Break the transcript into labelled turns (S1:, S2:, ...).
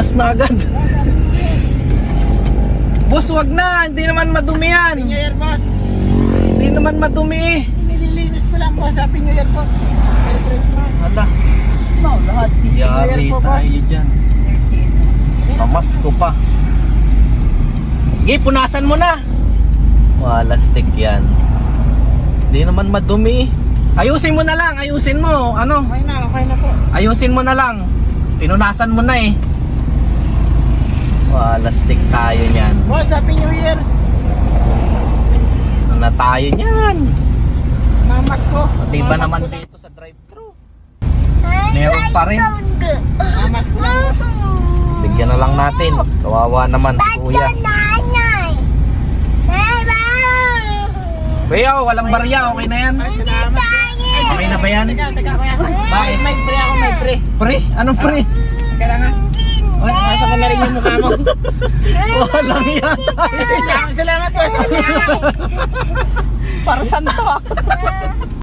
S1: Punas na agad. Boss, wag na. Hindi naman madumi yan.
S2: Happy New Year, boss.
S1: Hindi naman madumi eh.
S2: Nililinis ko lang, boss. Happy New Year po. Merry Christmas.
S1: Hala.
S2: No, lahat.
S1: Yari tayo dyan. Pamasko pa. Sige, punasan mo na. Wala stick yan. Hindi naman madumi. Ayusin mo na lang. Ayusin mo. Ano?
S2: Okay na po.
S1: Ayusin mo na lang. Pinunasan mo na eh. Wala stick tayo niyan.
S2: Boss, Happy New Year.
S1: Ano na tayo niyan?
S2: Mamas ko.
S1: Pati ba naman dito sa drive-thru? Meron pa rin.
S2: Mamas ko lang, boss.
S1: Bigyan na lang natin. Kawawa naman si kuya. Kuya, walang barya. Okay na yan?
S2: Ay, salamat.
S1: Okay na ba yan?
S2: Teka, kuya.
S1: Bakit?
S2: May pre ako, may pre.
S1: Pre? Anong pre?
S2: Kailangan. O, nasa ko na rin yung mukha mo.
S1: Walang yata.
S2: Salamat, boss.
S1: Para saan to?